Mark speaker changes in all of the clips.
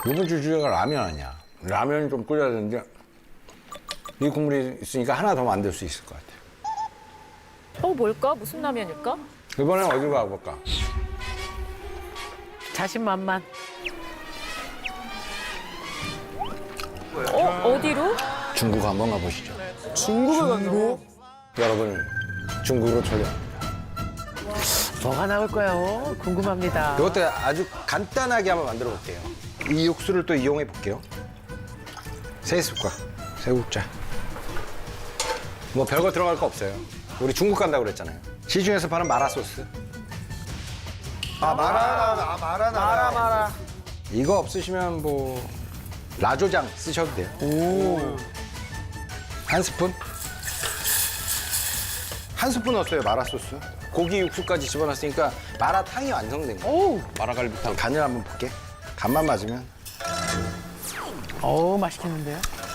Speaker 1: 이번 주 주제가 라면 아니야. 라면 좀 끓여야 되는데 이 국물이 있으니까 하나 더 만들 수 있을 것 같아.
Speaker 2: 뭘까? 무슨 라면일까?
Speaker 1: 이번엔 어디로 가볼까?
Speaker 3: 자신만만.
Speaker 2: 어디로?
Speaker 1: 중국 한번 가보시죠.
Speaker 4: 중국을 간다고?
Speaker 1: 여러분, 중국으로 초대합니다.
Speaker 3: 뭐가 나올까요? 궁금합니다.
Speaker 1: 이것도 아주 간단하게 한번 만들어 볼게요. 이 육수를 또 이용해 볼게요. 세 숟갈, 세 국자. 뭐 별거 들어갈 거 없어요. 우리 중국 간다고 그랬잖아요. 시중에서 파는 마라 소스.
Speaker 4: 마라.
Speaker 1: 이거 없으시면 뭐 라조장 쓰셔도 돼요. 한 스푼? 한 스푼 넣었어요, 마라 소스. 고기 육수까지 집어넣었으니까 마라탕이 완성된 거예요.
Speaker 3: 오,
Speaker 1: 마라갈비탕. 간을 한번 볼게. 간만 맞으면.
Speaker 3: 맛있겠는데요?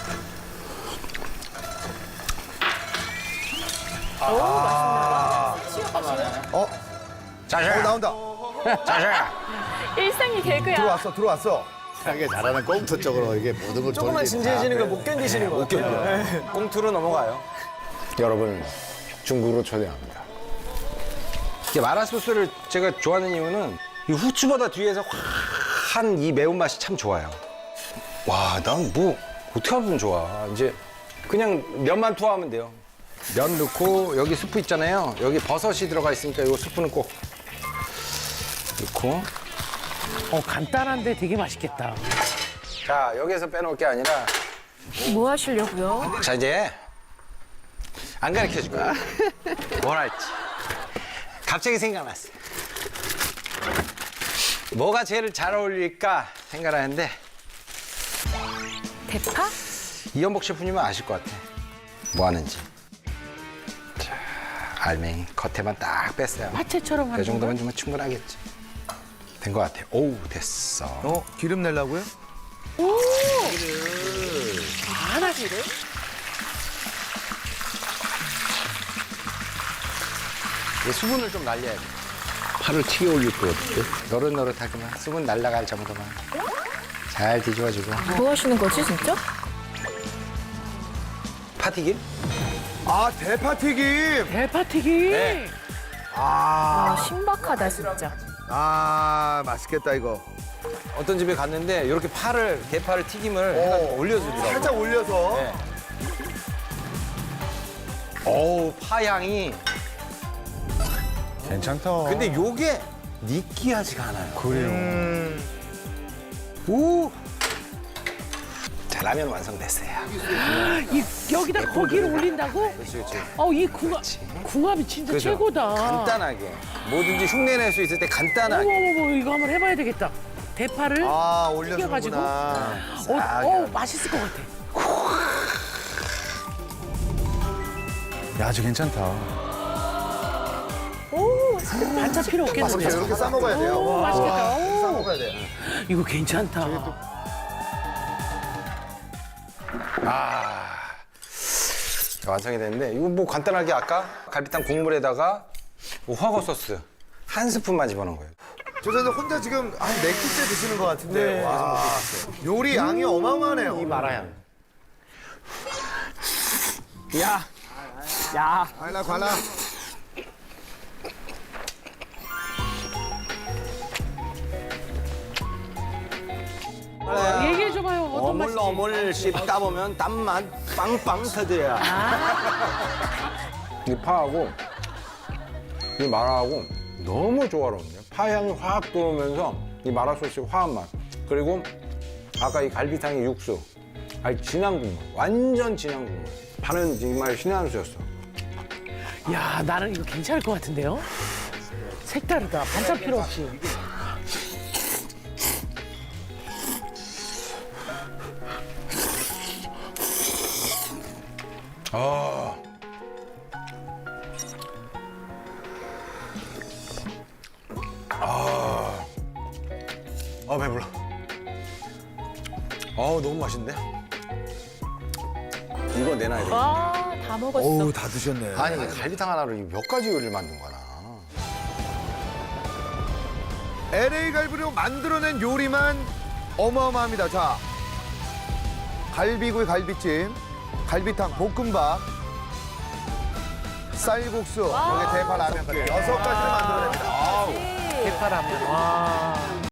Speaker 1: 자샤!
Speaker 4: 나온다.
Speaker 1: 자샤!
Speaker 2: 일상이 개그야.
Speaker 4: 들어왔어.
Speaker 5: 하게 잘하는 꽁트 쪽으로 이게 모든 걸
Speaker 4: 조금만
Speaker 5: 돌리니까.
Speaker 4: 진지해지는 걸 못 견디시는 거 같아요.
Speaker 1: 꽁투로 넘어가요. 여러분, 중국으로 초대합니다. 이게 마라 소스를 제가 좋아하는 이유는 이 후추보다 뒤에서 확한 이 매운맛이 참 좋아요. 와, 난 뭐 어떻게 하면 좋아. 이제 그냥 면만 투하하면 돼요. 면 넣고 여기 스프 있잖아요. 여기 버섯이 들어가 있으니까 이 스프는 꼭 넣고.
Speaker 3: 간단한데 되게 맛있겠다.
Speaker 1: 자, 여기에서 빼놓을 게 아니라
Speaker 2: 뭐 하시려고요?
Speaker 1: 자, 이제 안 가르쳐 줄 거야. 뭘 할지. 갑자기 생각났어. 뭐가 제일 잘 어울릴까 생각을 하는데
Speaker 2: 대파?
Speaker 1: 이연복 셰프님은 아실 것 같아. 뭐 하는지. 자, 알맹이 겉에만 딱 뺐어요.
Speaker 3: 파채처럼
Speaker 1: 그
Speaker 3: 하는
Speaker 1: 정도면 좀 충분하겠지. 된 것 같아. 오우, 됐어.
Speaker 4: 기름 내려고요?
Speaker 3: 하나씩을?
Speaker 1: 이 수분을 좀 날려야 돼. 파를 튀겨 올릴 거 어때? 노릇노릇하게만 수분 날라갈 정도만 잘 뒤집어주고.
Speaker 2: 뭐 하시는 거지, 진짜?
Speaker 1: 파튀김?
Speaker 4: 아, 대파튀김.
Speaker 3: 대파튀김.
Speaker 1: 네.
Speaker 2: 아, 신박하다, 진짜.
Speaker 4: 아, 맛있겠다, 이거.
Speaker 1: 어떤 집에 갔는데 이렇게 대파를 튀김을 해가지고 올려주더라고요.
Speaker 4: 살짝 올려서.
Speaker 1: 네. 어우, 파향이.
Speaker 4: 괜찮다.
Speaker 1: 근데 요게 느끼하지가 않아요. 그래요. 오! 자, 라면 완성됐어요.
Speaker 3: 여기다 고기를 올린다고?
Speaker 1: 그렇지, 그렇지.
Speaker 3: 이 궁합이 진짜
Speaker 1: 그죠?
Speaker 3: 최고다.
Speaker 1: 간단하게. 뭐든지 흉내낼 수 있을 때 간단하게.
Speaker 3: 어머, 이거 한번 해봐야 되겠다. 대파를
Speaker 4: 아,
Speaker 3: 튀겨가지고.
Speaker 4: 올려주는구나.
Speaker 3: 맛있을 것 같아.
Speaker 4: 야, 저 괜찮다.
Speaker 3: 반찬 필요 없겠는데.
Speaker 4: 이렇게 싸먹어야 돼요.
Speaker 3: 맛있겠다.
Speaker 4: 싸먹어야 돼요.
Speaker 3: 이거 괜찮다.
Speaker 1: 자, 완성이 됐는데 이거 뭐 간단하게 아까 갈비탕 국물에다가 뭐 화거 소스 한 스푼만 집어넣은 거예요.
Speaker 4: 저 선생 혼자 지금 한 4끼째 드시는 것 같은데. 와, 요리 양이 어마어마하네요.
Speaker 1: 이 마라향.
Speaker 4: 관라.
Speaker 3: 얘기해줘봐요. 어떤 맛인지.
Speaker 1: 어물 씹다 보면 땀만 빵빵 터져야. 이 파하고 이 마라하고 너무 조화로운데요. 파향이 확 들어오면서 이 마라 소스의 화한 맛. 그리고 아까 이 갈비탕의 육수. 아니, 진한 국물. 완전 진한 국물. 파는 정말 신의 한 수였어.
Speaker 3: 야, 나는 이거 괜찮을 것 같은데요? 색다르다. 반찬 필요 없이.
Speaker 1: 배불러. 너무 맛있는데? 이거 내놔야 돼.
Speaker 2: 와, 다 먹었어.
Speaker 4: 어우, 다 드셨네.
Speaker 1: 아니, 갈비탕 하나로 몇 가지 요리를 만든 거나.
Speaker 4: LA 갈비로 만들어낸 요리만 어마어마합니다. 자, 갈비구이 갈비찜, 갈비탕, 볶음밥, 쌀국수, 여기 대파 라면까지 6가지를 만들어냅니다.
Speaker 3: 대파라면. 와.